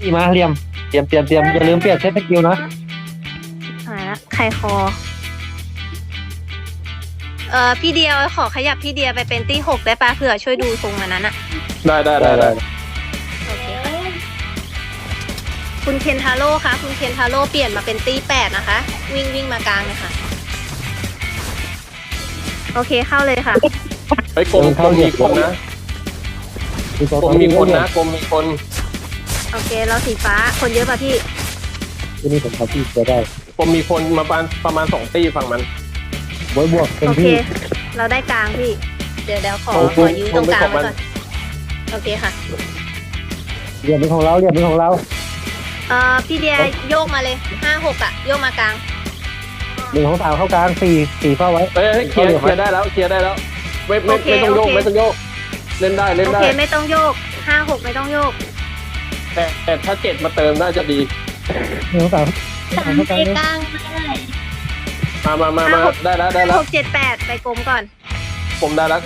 ตีมาเหลี่ยมเตรียมอย่าลืมเปลี่ยนเซตสกิลนะหาละไข่คอพี่เดียขอขยับพี่เดียไปเป็นตี้6ได้ปะเผื่อช่วยดูทรงมันนั้นอะได้โอเคค่ะคุณเคนทาโร่คะคุณเคนทาโร่เปลี่ยนมาเป็นตี้8นะคะวิ่งมากลางเลยค่ะโอเคเข้าเลยค่ะเฮ้ยกรมมีคนนะกรมมีคนโอเคเราสีฟ้าคนเยอะป่ะพี่ที่นี่ผมทำที่จะได้กรมมีคนมาประมาณ2 ตีฝั่งมันบวกเป็นโอเคที่เราได้กลางพี่เดี๋ยวขอยื้อตรงกลางไว้ก่อนโอเคค่ะเหลี่ยมเป็นของเราพี่เดียโยกมาเลย5-6อะโยกมากลาง 1 2 3เข้ากลาง4เฝ้าไว้เคลียร์ได้แล้วไม่ต้องโยกเล่นได้โอเคไม่ต้องโยก5-6ไม่ต้องโยกแต่ถ้า7มาเติมน่าจะดี 1 2 3 เข้ากลางมาได้แล้ว 6 7 8ไปกลมก่อนกรมได้แล้ว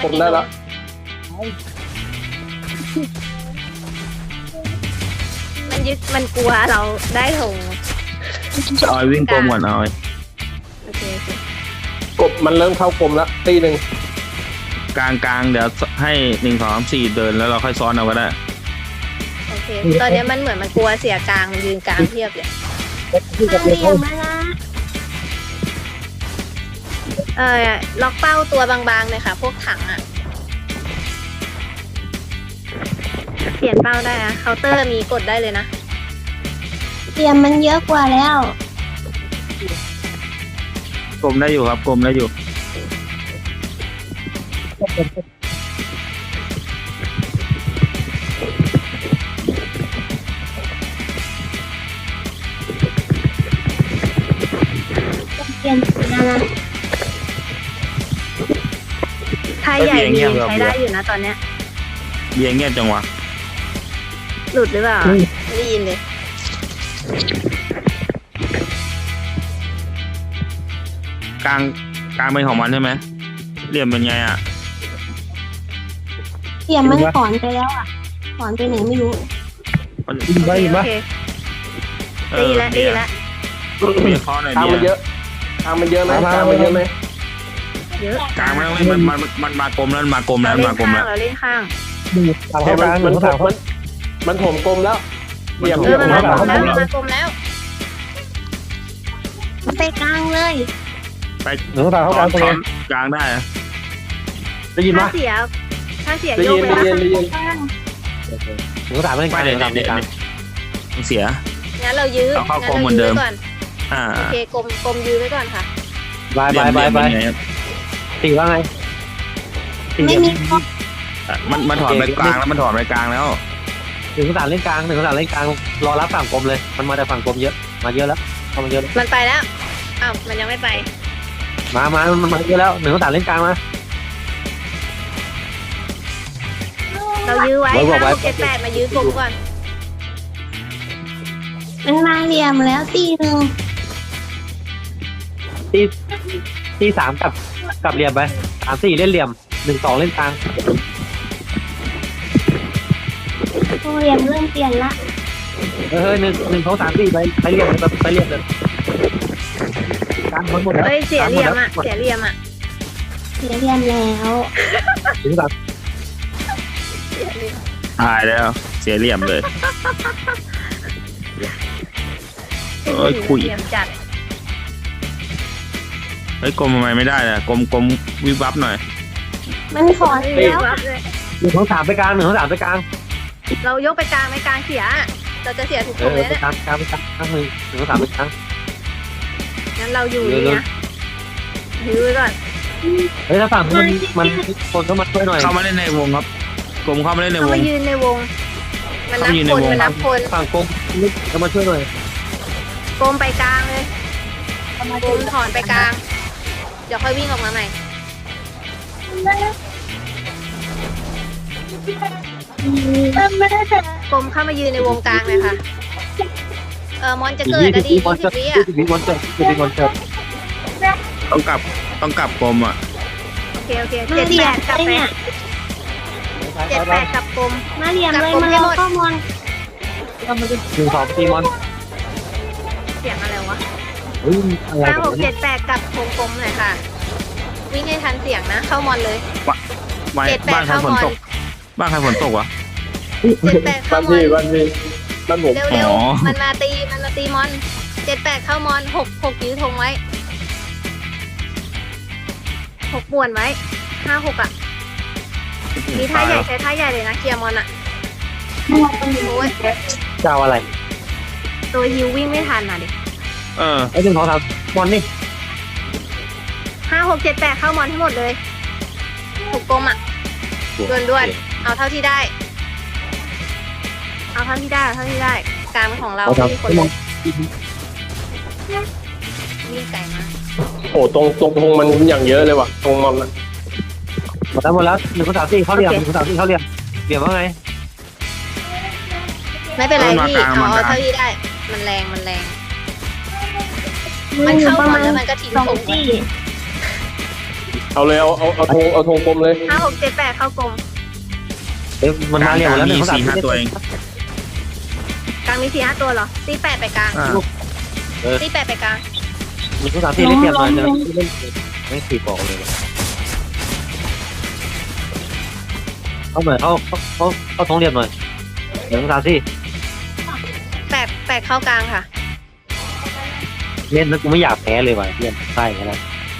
มันกลัวเราได้ถงออยวิ่งกลมก่อนออยโอเคกบมันเริ่มเข้ากลมแล้วตีหนึ่งกลางเดี๋ยวให้1 2 3 4เดินแล้วเราค่อยซ้อนเอาก็ได้โอเคตอนนี้มันเหมือนมันกลัวเสียกลางมันยืนกลางเทียบเลยล็อกเป้าตัวบางๆเลยค่ะพวกถังอ่ะเปลี่ยนเป้าได้อะเคาน์เตอร์มีกดได้เลยนะเตรียมมันเยอะกว่าแล้วกลมได้อยู่ครับกลมได้อยู่เปลี่ยนนะไทยใหญ่มีใช้ได้อยู่นะตอนเนี้ยเบียงเงียบจังวะหลุดหรือเปล่าไม่ได้ยินเลยกลางเป็นของมันใช่ไหมเหลี่ยมเป็นไงอ่ะเตรียมมันถอนไปแล้วอ่ะถอนไปไหนไม่รู้ยิงโอเคดีแล้วเบียร์ข้อหน่อยกลางมันเยอะไหมเยอะกลางมันมากลมแล้วเราเล่นข้างมันถมกลมแล้วเหลี่ยมมันมากลมแล้วไปกลางเลยไป 1 2 3เข้ากลางตรงนี้กลางได้ได้ยินไหมถ้าเสียโยกไปแล้ว 1 2 3ไม่ได้กลางเสียงั้นเรายื้อก่อนโอเคกลมยื้อไว้ก่อนค่ะบายตีว่าไงไม่มีมันถอนไปกลางแล้ว1 2 3เล่นกลางรอรับฝั่งกลมเลยมันมาแต่ฝั่งกลมเยอะมาเยอะแล้วมันเยอะมันไปแล้วอ้าวมันยังไม่ไปมันมาเยอะแล้ว1 2 3เล่นกลางมาเรายื้อไว้5 6 7 8มายื้อกลมก่อนมันมาเหลี่ยมแล้วตีหนึ่งตี3กับเหลี่ยมไป3 4เล่นเหลี่ยม1 2เล่นกลางเหลี่ยมเริ่มเปลี่ยนละ 1 2 3 4ไปเหลี่ยมเลยกลางหมดแล้วเสียเหลี่ยมแล้วถึงแบบตายแล้วเสียเหลี่ยมเลยคุยจัดกลมทำไมไม่ได้ล่ะกลมวิบวับหน่อยมันถอนแล้ว 1 2 3ไปกลาง1 2 3ไปกลางเรายกไปกลางไม่กลางเสียเราจะเสียถูกตรงเลยเนี่ยกลาง1 2 3ไปกลางงั้นเราอยู่นี่นะยื้อไว้ก่อนถ้าฝั่งมันคนก็มาช่วยหน่อยเข้ามาเล่นในวงครับกลมเข้ามาเล่นในวงยืนในวงมันนับคนฝั่งกลมก็มาช่วยหน่อยกลมไปกลางเลยกลมถอนไปกลางเดี๋ยวค่อยวิ่งออกมาใหม่กลมเข้ามายืนในวงกลางเลยค่ะมอนจะเกิดก็ดี20 วิอ่ะต้องกลับกลมอ่ะโอเค78กลับไป78กับกลมมาเหลี่ยมเลยมาแล้วก็มอน 1 2ตีมอนเสียงอะไรวะเฮ้ยอะไรห้ากันหกเนี่เจ็ยดแปดกับวงกลมหน่อยค่ะ วิ่งให้ทันเสียงนะ เข้ามอนเลยไม่ 7-8 บ้านใครฝนตก บ้านใครฝนตกวะ 7-8 เข้าบ้านมอนพี่บ้านผมเร็วอ๋อๆมันมาตีมอน7-8 เข้ามอน6ยื้อธงไว้6ป่วนไว้5-6อ่ะมีท่าใหญ่ใช้ท่าใหญ่เลยนะเคลียร์มอนอ่ะโอ้ยเจ้าอะไรตัวฮิววิ่งไม่ทันอ่ะดิเออไอ้1 2 3มอนนี่ 5-6-7-8 เข้ามอนให้หมดเลยถูกกลมอ่ะด่วนๆเอาเท่าที่ได้ เอาเท่าที่ได้การของเราไม่มีคนเลยวิ่งไกลมากโอ้ตรงธงมันอย่างเยอะเลยว่ะตรงมันอะหมดแล้ว1 2 3 4เข้าเหลี่ยม1 2 3 4เข้าเหลี่ยมเหลี่ยมว่าไงไม่เป็นไรพี่เอาเท่าที่ได้ มันแรงมันเข้ามอนแล้วมันก็ทิ้งสองธงตีเอาเลยเอาธงกลมเลย 5-6-7-8 เข้ากลมเอ้ยมันมาเหลี่ยมหมดแล้วมี 1 2 3 4-5 ตัวเองกลางมี4-5 ตัวเหรอตี8ไปกลางอ่าตี8ไปกลาง 1 2 3 4เล่นเหลี่ยมหน่อยเดี๋ยวเล่นไม่ตีบอกเลยเข้าหน่อยเข้าทงเหลี่ยมหน่อย1 2 3 4 8เข้ากลางค่ะเล่นแล้วกูไม่อยากแพ้เลยว่ะเพื่อนใช่กันแล้ว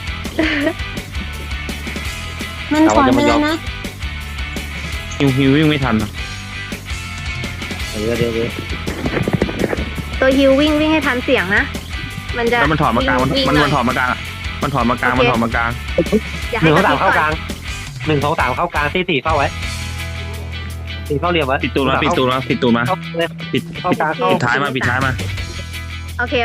มันถอนไปแล้วนะฮิววิ่งไม่ทันอะเดี๋ยวตัวฮิววิ่งให้ทันเสียงนะ มันจะแล้วมันถอดมากลางวิ่มันหอยถอดมากลางอะมันถอดมากลาง มันถอดมากลางอย่าหให้นึ่งกเขาระสามพริบเข้ากก่อลาน ง1 2 3เข้ากลางตีเฝ้าไว้ตีเฝ้าเหลี่ยมไว้ปิดตูนมาเข้าเลยปิดเข้ากลางเข้าปิดท้ายมาโอเค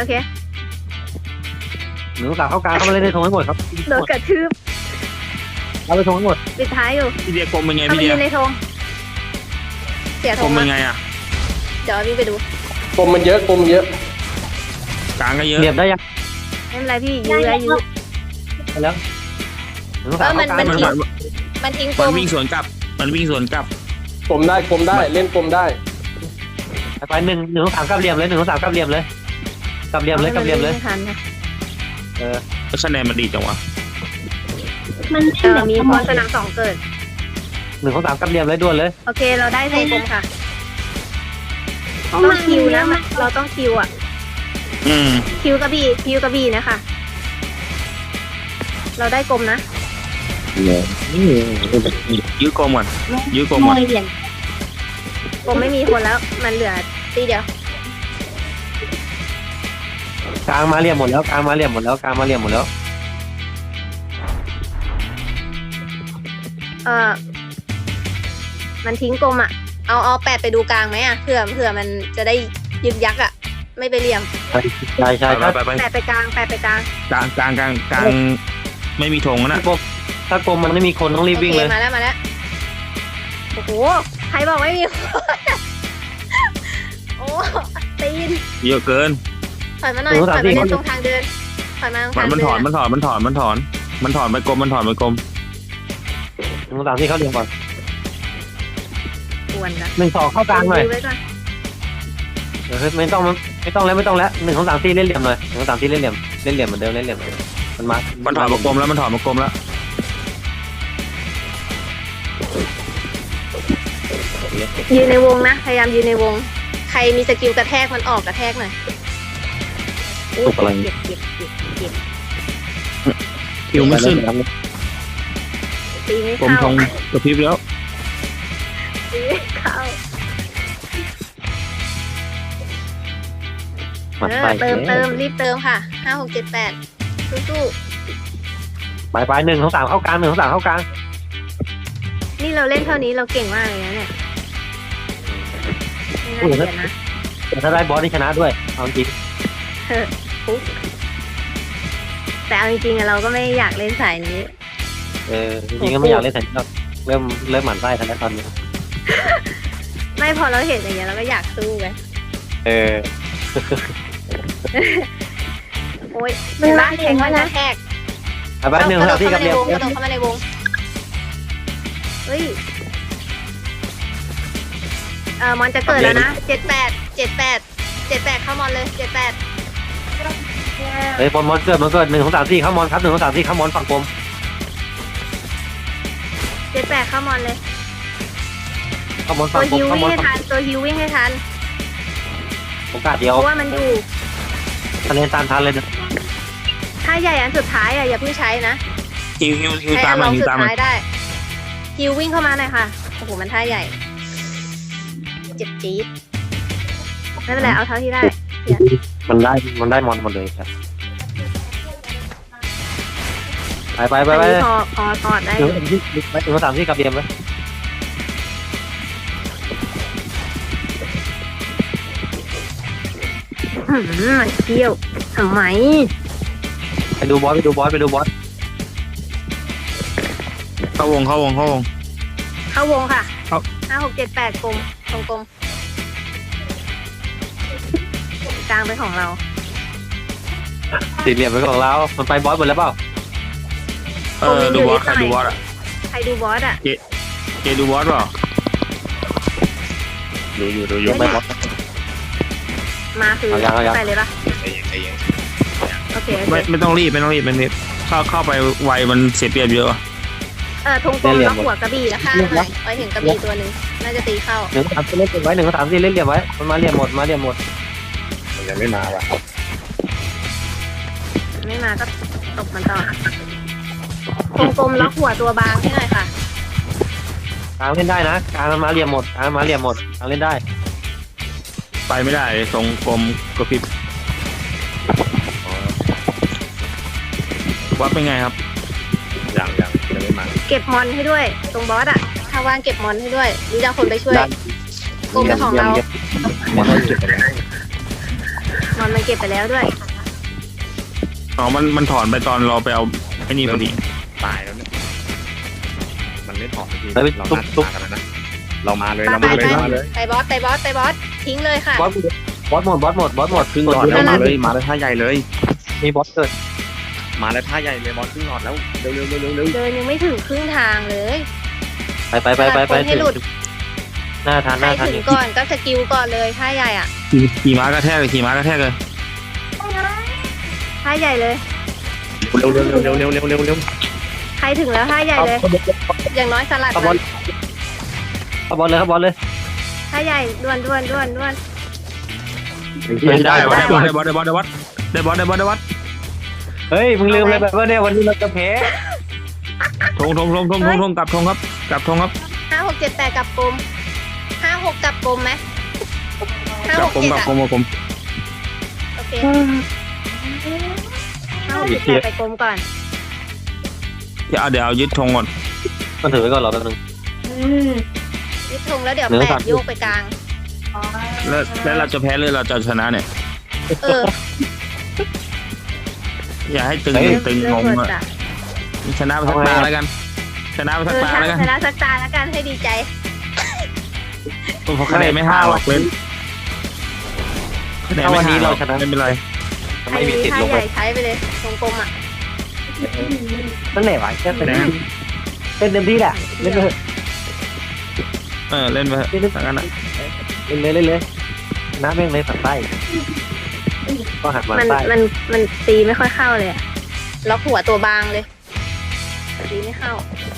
1 2 3เข้ากลางเข้ามาเล่นในทงให้หมดครับโดนกระทืบเอาไปทงให้หมดปิดท้ายอยู่พี่เดียกลมเป็นไงเข้าพี่ไปเดียยืนในธงเสียธกลงมเป็มานไงอะเดี๋ยววิ่งไปดูกลมมันเยอะกลางก็เยอะเหลี่ยมได้ยังไม่เป็นไรพี่ยื้อยื้อไปแล้ว1 2 3เข้ากลางมันมันทิ้งกลมันมวิ่งสวนกลับกลมได้เล่นกลมได้ไป1 2 3กลับเหลี่ยมเลย1 2 3กลับเหลี่ยมเลยกลับเหลี่ยมเลยไม่ทันนะแล้วคะแนนมันดีจังวะมันมีพรสนาม2เกิด 1 2 3กลับเหลี่ยมเลยด่วนเลยโอเคเราได้ธงกลมค่ะต้องคิวนะเราต้องคิวอ่ะอืมคิวกระบี่นะคะเราได้กลมนะยื้อกลมก่อนมวยเหรียญกลมไม่มีคนแล้วมันเหลือตีเดียวกลางมาเหลี่ยมหมดแล้วมันทิ้งกลมอ่ะเอา8ไปดูกลางไหมอ่ะเผื่อมันจะได้ยึกยักอ่ะไม่ไปเหลี่ยมใช่ไป 8ไปกลาง8ไปกลางกลางไม่มีธงนะถ้ากลมมันไม่มีคนต้องรีบวิ่งเลยโอคมาแล้วโอ้โหใครบอกไม่มีคนโอ้ตีนเยอะเกินถอยมาหน่อยถอยมาเล่นตรงทางเดินถอยมาตรงทางมันเดิถอนไปกลม 1 2 3 4เข้าเหลี่ยมก่อนกวนนะ 1 2เข้ากลางหน่อยดูไว้ก่อนไม่ต้องแล้ว1 2 3 4เล่นเหลี่ยมหน่อย1 2 3 4เล่นเหลี่ยมเหมือนเดิมมันมามันถอดมากลมแล้วยืนในวงนะพยายามยืนในวง ใครมีสกิลกระแทกมันออกกระแทกหน่อยอู้เจ็บคิวไม่ขึ้นตีไม่กลมเข้าธงกระพริบแล้วตีไม่เข้า เติมรีบเติมค่ะ5-6-7-8สู้ไป1 2 3เข้ากลาง1 2 3เข้ากลางๆนี่เราเล่นเท่านี้เราเก่งมากเลยนะเนี่ยไม่น่าเกลียดนะแต่ถ้าได้บอสนี่ชนะด้วยเอาจริงปุ๊บแต่เอาจริงๆอะเราก็ไม่อยากเล่นสายนี้จริงๆก็ไม่อยากเล่นแต่เริ่มหมั่นไส้ทันแล้วตอนนี้ไม่พอเราเห็นอย่างเงี้ยเราก็อยากสู้ไงโอ๊ยมันบ้านแทงมันกระแทกไป1 2 3 4กับเหลี่ยมกระโดดเข้ามาในวงเฮ้ยมอนจะเกิดแล้วนะ78เข้ามอนเลย78 เฮ้ยมอนเกิด1 2 3 4เข้ามอนครับ1 2 3 4เข้ามอนฝั่งกลม 78เข้ามอนเลยเข้ามอนตัฝั่วงกลฮิมวเข้าวิ่มงอนให้ทันตัวฮิววิ่งให้ทันโอกาสเดียวเพราะว่ามันอยู่ทะเลตามทันเลยนะถ้าใหญ่อันสุดท้ายอ่ะอย่าเพิ่งใช้นะฮิวใช้ตาอัมนมาลองฮิวสุดตามมาท้ายได้ฮิววิ่งเข้ามาหน่อยค่ะโอ้โหมันท่าใหญ่เจ็บจี๊ดไม่เป็นไรเอาเท่าที่ได้มันได้มอนหมดเลยครับไปอันนี้พอถอดได้ 1 2 3 4กับเดียมไว้มันเที่ยวทำไมไปดูบอสเข้าวงเข้าวงค่ะครับ 5 6 7 8กลมกลมกลางเป็นของเราสี่เหลี่ยมไปของเรามันไปบอสหมดแล้วเปล่าดูบอสใครดูบอสอ่ะใครดูบอสอ่ะเจดูบอสเปล่าดูอยู่ไม่บอสมาคือเอายังไปเลยปะใจเย็นโอเคไม่ต้องรีบเข้าไปไวมันเสียเปรียบเยอะธงกลมแล้วหัวกระบี่แล้วข้างหน่อยไว้เห็นกระบี่ตัวหนึ่งน่าจะตีเข้า 1 3 4เล่นไว้1 3 4เล่นเหลี่ยมไว้มันมาเหลี่ยมหมดมันยังไม่มาว่ะไม่มาก็ตบมันต่อธงกลมล็อกหัวตัวบางให้หน่อยค่ะกลางเล่นได้นะกลางมันมาเหลี่ยมหมดกลางเล่นได้ไปไม่ได้ทรงกลมกระพริบวัดเป็นไงครับยังไม่มาเก็บมอนให้ด้วย ตรงบอสอ่ะถ้าว่างเก็บมอนให้ด้วยหรือจะเอาคนไปช่วยกลมเป็นของเรามันต้องเก็บไปแล้วมอนมันเก็บไปแล้วด้วยอ๋อมันถอนไปตอนเราไปเอาไอ้นี่พอดีตายแล้วเนี่ยมันไม่ถอดทีแล้วไปเราตุ๊บน่าจะมากันนะเรามาเลยไปมาเลยไปบอสทิ้งเลยค่ะบอสหมดครึ่งหลอดแล้วมาเลยมาเลยท่าใหญ่เลยมีบอสเกิดมาเลยท่าใหญ่เลยบอลครึ่งหลอดแล้วเร็วเดินยังไม่ถึงครึ่งทางเลยไปคนให้หลุดหน้าทานใครถึงก่อนก็สกิลก่อนเลยท่าใหญ่อ่ะขี่ม้ากระแทกเลยท่าใหญ่เลยเร็วใครถึงแล้วท่าใหญ่เลย อย่างน้อยสลัดเข้าบอลเลยท่าใหญ่ด่วนได้บอสเฮ้ยมึงลืมเลยแบบว่าเนี่ยวันนี้เราจะแพ้ทงกลับทงครับ 5 6 7 8กับกลม5 6กับกลมไหม5 6 7อ่ะโอเค5 6 7 8ไปกลมก่อนเดี๋ยวยึดธงก่อนมันถือไว้ก่อนรอแป๊บนึงยึดธงแล้วเดี๋ยวเนื้อแปสัดตว์โยกไปกลางแล้วเราจะแพ้หรือเราจะชนะเนี่ย อย่าให้ตึงเริ่งมงเปิดอ่ะจ้ะชนะไปสักตาแล้วกันชนะชนะสักตาแล้วกันให้ดีใจเพราะคะแนนไม่ห่างหรอกเล่นคะแนนไม่ห่างหรอกไม่เป็นไรไม่มีติดท่าลงใหไปญ่ใช้ไปเลยตรงกลมอ่ะนั่นแหละวะแค่เป็นเต็มที่แหละเล่นเลยเล่นไปสักกันนะเล่นเลยน้าแม่งเลยฝั่งใต้ก็หักมามันใต้มันตีไม่ค่อยเข้าเลยอะล็อกหัวตัวบางเลยตีไม่เข้า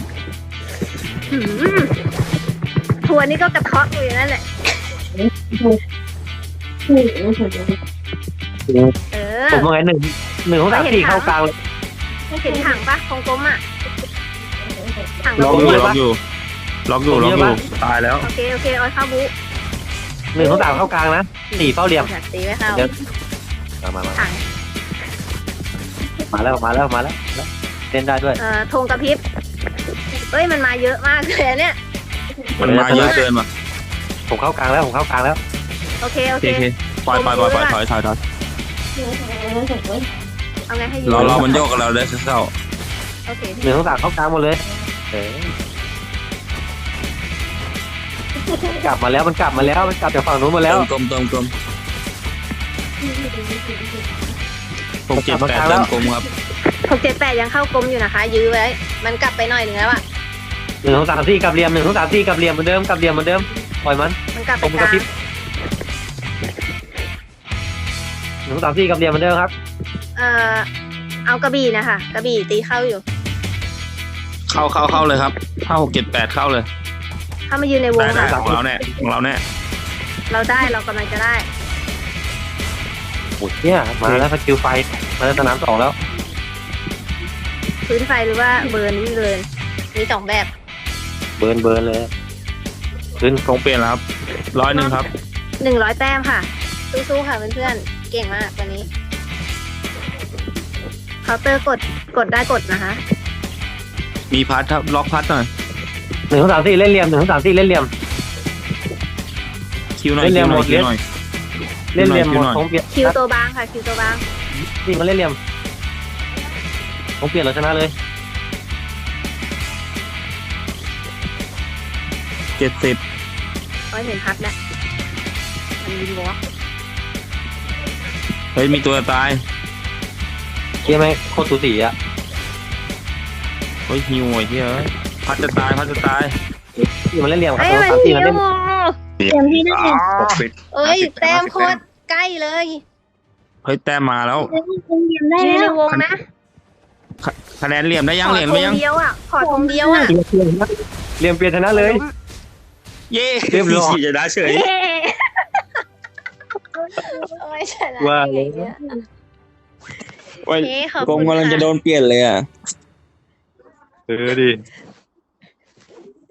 ทัวร์นี่ก็กระเทาะอยู่อย่างนั้นแหละผมว่าไง1 2 3 4เข้ากลางเลยเห็นถังปะของกลมอ่ะถังล็ระอกบุอยู่ตายแล้วโอเคออยเข้าบุ 1 2 3เข้ากลางนะ4เฝ้าเหลี่ยมตีไม่เข้ามาถังมาแล้วเล่นได้ด้วยธงกระพริบเอ้ยมันมาเยอะมากเลยเนี่ยมันมาเยอะเกินว่ะผมเข้ากลางแล้วโอเคโอเคปล่อยถอยเอาไงให้ยืรอมันโยกกับเราได้สักเท่าโอเค 1 2 3เข้ากลางหมดเลยกลับมาแล้วมันกลับจากฝั่งนู้นมาแล้วกลม6 7 8เติมกลมครับ 6 7 8ยังเข้ากลมอยู่นะคะ ยื้อไว้มันกลับไปหน่อยหนึ่งแล้วอ่ะ 1 2 3 4กับเหลี่ยม1 2 3 4กับเหลี่ยมเหมือนเดิมปล่อยมันมันกลับผไปมกกระลางพริบ1 2 3 4กับเหลี่ยมเหมือนเดิมครับเอากระบี่นะคะกระบี่ตีเข้าอยู่เข้าเลยครับเข้า6 7 8เข้าเลยเข้ามายืนในวงได้ค่ะของเราแน่ของเราแน่เราได้เรากำลังจะได้โอ้ยเนี่ยมาแล้วสกิลไฟมาแล้วสนาม2แล้วพื้นไฟหรือว่าเบิร์นวิ่งเบิร์นมี2แบบเบิร์นเลยขึ้นคงเปลี่ยนแล้วครับ100ครับ 100 แต้มค่ะสู้ๆค่ะเพื่อนๆเก่งมากวันนี้เคาน์เตอร์กดได้กดนะคะมีพัดครับล็อกพัดหน่อย 1 2 3 4เล่นเหลี่ยม1 2 3 4เล่นเหลี่ยมคิวหน่อยเล่นเหลี่ยมหมดคิวหน่อยเล่นเหลี่ยมหมดหน่อยผมเปลี่ยนคิวตัวบางค่ะคิวตัวบางนี่มันเล่นเหลี่ยมผมเปลี่ยนเราชนะเลย 70 โอ้ยเห็นพัดแล้วมันยิงวอล์กเฮ้ยมีตัวตายเชี่ยไหมโคตรสูสีอ่ะเฮ้ยฮิวไอ้เหี้ยพัดจะตายนี่มันเล่นเหลี่ยมครับเอ้ย 1 มัน 2 3 4 ยิมันงเล่นเตรียมที่ได้เลยเอ้ยแต้มโคตรใกล้เลยเฮ้ยแต้มมาแล้วเตรียมได้ยืนแล้ในววงนะคะแนนเหลี่ยมได้ยังขอเหลี่ยมธไปงยังเดียวอ่ะขอธงเดียวอ่ะเหลี่ยมเปลี่ยนชนะเลยเย้เรียบร้อยจะได้เฉยเย้โอ้ยชนะว่าได้ไงเนี่ยโอ้ยโอเคขอบกคุงณกำลังจะโดค่ะนเปลี่ยนเลยอ่ะดิ